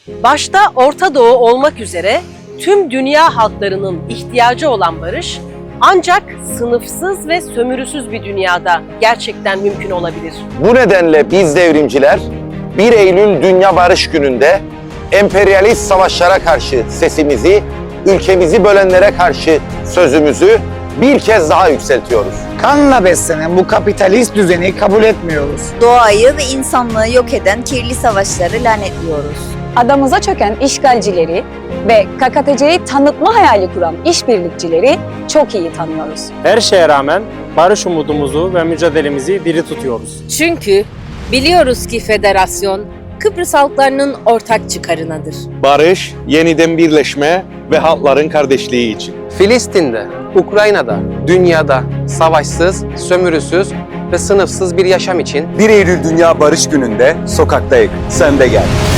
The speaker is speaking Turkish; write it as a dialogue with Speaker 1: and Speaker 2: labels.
Speaker 1: Başta Orta Doğu olmak üzere tüm dünya halklarının ihtiyacı olan barış ancak sınıfsız ve sömürüsüz bir dünyada gerçekten mümkün olabilir.
Speaker 2: Bu nedenle biz devrimciler 1 Eylül Dünya Barış Günü'nde emperyalist savaşlara karşı sesimizi, ülkemizi bölenlere karşı sözümüzü bir kez daha yükseltiyoruz.
Speaker 3: Kanla beslenen bu kapitalist düzeni kabul etmiyoruz.
Speaker 4: Doğayı ve insanlığı yok eden kirli savaşları lanetliyoruz.
Speaker 5: Adamıza çöken işgalcileri ve KKTC'yi tanıtma hayali kuran işbirlikçileri çok iyi tanıyoruz.
Speaker 6: Her şeye rağmen barış umudumuzu ve mücadelemizi diri tutuyoruz.
Speaker 7: Çünkü biliyoruz ki federasyon Kıbrıs halklarının ortak çıkarınadır.
Speaker 2: Barış, yeniden birleşme ve halkların kardeşliği için.
Speaker 8: Filistin'de, Ukrayna'da, dünyada savaşsız, sömürüsüz ve sınıfsız bir yaşam için
Speaker 9: 1 Eylül Dünya Barış Günü'nde sokaktayız. Sen de gel.